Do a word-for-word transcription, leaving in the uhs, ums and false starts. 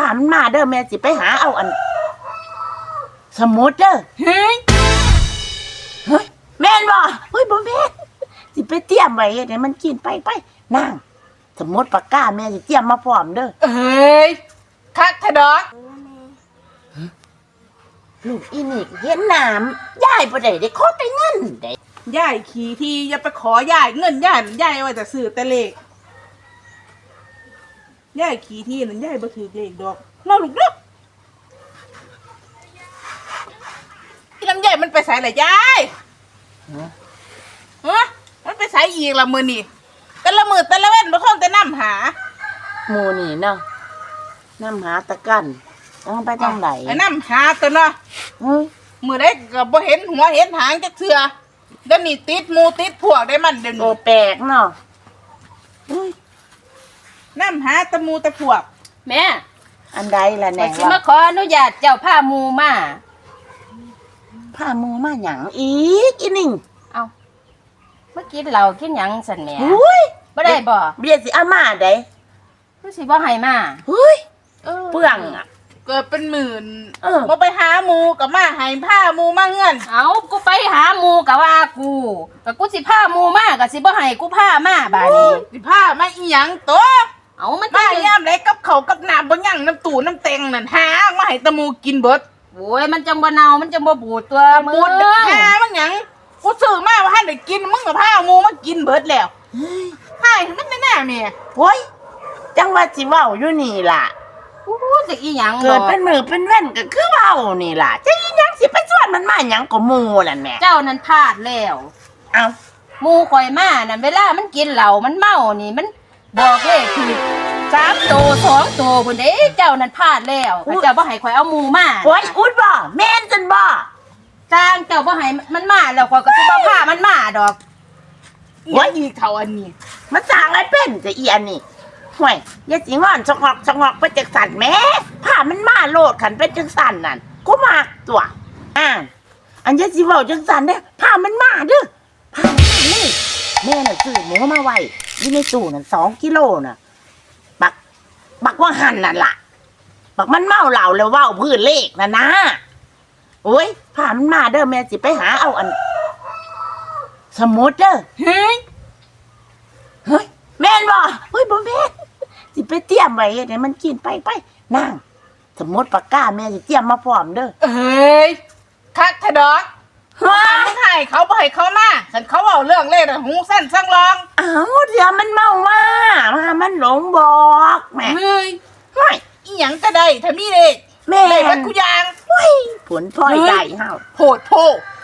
ามันมาเด้อแม่สิไปหาเอาอันสมุดเด้อเฮ้ยเฮ้ยแม่นบ่เฮ้ยบ่แม่นสิไปเตรียมไว้ให้มันกินไปไปนั่งสมุดปากกาแม่สิเตรียมมาพร้อมเด้อเอ้ยคักทะดอกลูกอีนี่เห็นน้ำยายบ่ได้ได้ขอแต่เงินได้ยายขี่ทีอย่าไปขอยายเงินยายยายไว้แต่ซื้อแต่เลขยายขี่ทีนั่นยายบ่ถือเลขดอกเนาะลูกเนาะที่ลำไยมันไปใส่ละยายฮะมันไปใส่อีกละมือนี่แต่ละมือแต่ละเว้นบ่คงแต่น้ำหาหมู่นี่เนาะน้ำหาตะกันต้องไปทางไหนไอ้น้ำหาตัวเนาะมือได้ก็บ่เห็นหัวเห็นหางจักเทื่อเดี๋ยวนี้ติดหมูติดพวกได้มันเดี๋ยวนี้โอแปลกเนาะน้ำหาตะมูตะพวกแม่อันใดล่ะแน่สิมาขออนุญาตเจ้าผ้ามูมาผ้ามูมาหยังอีกอีนิ่งเอาเมื่อกี้เรากินหยังสันแหม่หุ้ยบ่ได้บ่เบียสิอามาได้คือสิบ่ให้มาหุ้ยเปลืองอ่ะเกิดเป็นหมื่นบ่ไปหาหมูกับมาให้ผ้าหมูมาเงินเอากูไปหาหมูกะว่ากูกะกูสิผ้าหมูมาก็สิบ่ให้กูผ้ามาบาดนี้สิผ้ามาอีหยังตัวเอามันมายามไหนกับเขากับน้ำบ่ยังน้ำตู่น้ำเต็งนั่นหามาให้ตะมูกินเบิดโอ้ยมันจังบ่เน่ามันจังบ่บูดตัวบูดหามันหยังกูซื้อมาว่าให้ได้กินมึงกับผ้าหมูมากินเบิดแล้วให้มันแน่ๆแม่โอ้ยจังว่าสิเว้าอยู่นี่ล่ะโอ้จะอีหยังเกิดเป็นมือเป็นเว้นก็คือเว้านี่ล่ะจะอีหยังสิไปชวนมันมาหยังก็หมู่นั่นแม่เจ้านั้นพลาดแล้วเอ้าหมู่ข่อยมานั่นเวลามันกินเหล้ามันเมานี่มันบอกเลขถูกสามโตสองโตพุ่นเด้เจ้านั้นพลาดแล้วเจ้าบ่ให้ข่อยเอาหมู่มาโอ้ยอุดบ่แม่นจังบ่จ้างเจ้าบ่ให้มันมาแล้วข่อยก็สิบ่พามันมาดอกโอ้ยอีเท่าอันนี้มันสร้างอะไรเป็นจะอีอันนี้ห่วยอย่าสิงอนชะงอกชะงอกไปจังสั่นแม่ผ้ามันมาโลดขันเป็นจังสั่นนั่นกูมากตัวอ่าอันอย่าสิเว้าจังสั่นเด้อผ้ามันมาเด้อผ้ามันมาเลยแม่น่ะซื้อหมูมาไว้อยู่ในตู้นั่นสองกิโลน่ะบักบักว่าหั่นนั่นล่ะบักมันเมาเหล้าแล้วเว้าพื้นเลขน่ะนะโอ้ยผ้ามันมาเด้อแม่สิไปหาเอาอันสมุดเด้อเฮ้ยเฮ้ยแม่นบ่เฮ้ยบ่แม่นสิไปเตรียมไว้ให้มันกินไปไปนั่งสมุดปากกาแม่สิเตรียมมาพร้อมเด้อเอ้ยคักทะดอกว่ามึงให้เขาบ่ให้เขามาฉันเขาเอาเรื่องเล่นหูสั้นสั่งรองอ้าวเดี๋ยวมันเมามามามันหลงบอกแม่เฮ้ยเฮ้ยอีหยังก็ได้ถ้ามีเลขแม่ได้มันกูยางเฮ้ยผลพลอยได้เฮาโพดโพ